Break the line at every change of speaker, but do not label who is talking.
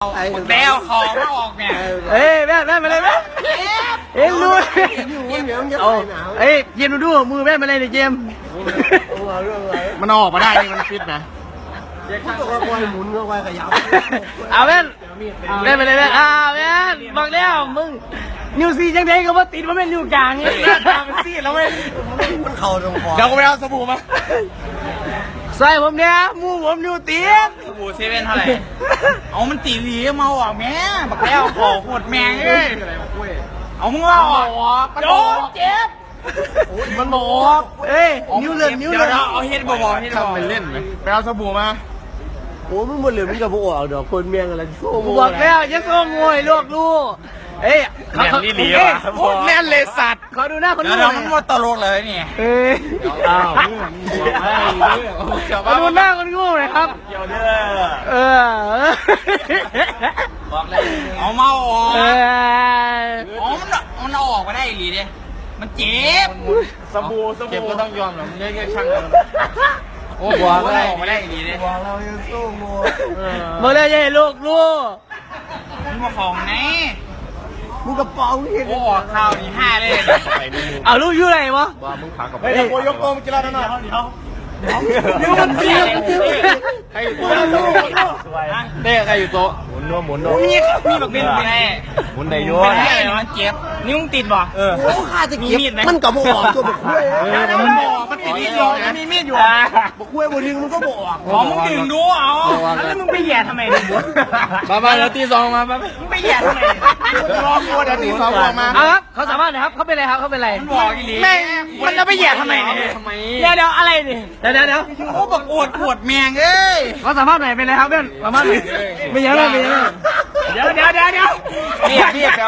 แล้วของมาออกเนี่ย
เอ้ยแม่มาเลยแม่เอ็มดูเอ้ยเจมดูมือแม่มาเลยเนี่ยเจมมันออกมาได้นี่มันฟิตนะเอาแม่แม่มาเลยแม่แม่บอกแล้วมึงนิวซีจังไงก็ว่าติดว่าแม่นิวกลางเนี่ยตามซีแล้วไม่มันเข่าตรงคอเดี๋ยวก็ไปเอาสบู่มาใส่ผมเนี่ยมูผมนิวตีน
สบู่เซเว่นเท่าไหร่เอามันตีหลีเมาออกแม่บักแล้วขอโคตรแมงเลยเอามึงว่าออกโดนเจ็บ
มันบอกเอ้ยนิ้วเลื่อน
เอาเฮ็ดบอกเฮ็ดบอก
ไปเล่นไหมไปเอาสบู่มาโอ้มึงหมดเหลือมึงกับพวกอ่ะเดี๋ยวคนเมียงอะไรโซ่บอกแล้วยังโซ่งวยลูกเอ้ยเขานี่ดีว่ะแน่นเลยสัตว์เขาดูหน้าคนดู
มันหมดตลกเลยนี่
เอ้ยอ้าวเขาดูหน้าคนงูเลยครับ
บอกเลยเอาเมาออกมันออกมาได้หรือเนี่ยมันเจ็บ
สบู่เจ็บก็ต้องยอมหรอไม่ใช่ช่างกัน
โอ้บอกเลยออกมาได้หรือเนี่ย
บอกเรายังสู้งูบอกเลยยัยลูก
มึงมาของไหน
มึงกระป๋องเห็น
โอ้ข้าวนี่5เลย
เอาลูกอยู่ไหนวะ
ว่ามึงขากับ
เฮ้ยโยกโกงกินอะไรหน่อยเดี๋ยวมันเตี้ยใครอยู่โต๊ะเด้ใครอยู่โต๊ะ
หมุนโน้
มีแบบเป็นไง
หมุนในยัว
มันเจ็บนิ้วมึงติดบ่
โอ้ข้าจะเก็บมันกับบอกตัวบอกคุย
มันติดมีดอยู่มันมีมีดอยู่
บอกคุยบนดึงมันก็บอก
มึงดึงดูเอาแล้วมึงไปแย่ทำไมเนี่ย
มาเดี๋ยวตีสองมา
มึงไปแย่ทำไม
รอกูเดี๋ยวตีสองออกมาครับเขาสามารถนะครับเขาเป็นอะไรครับเขาเป็นอะไร
มันบอกอีหลีแม่มันจะไปแย่ทำไมเนี่ยเดี๋ยวอะไรเนี่ย
เดี๋ยว
โอ้บอกปวดแมงเอ้ย
เขาสามารถไหนเป็นอะไรครับเพื่อนสามารถไม่ยังเลย
เดี๋ยวนี่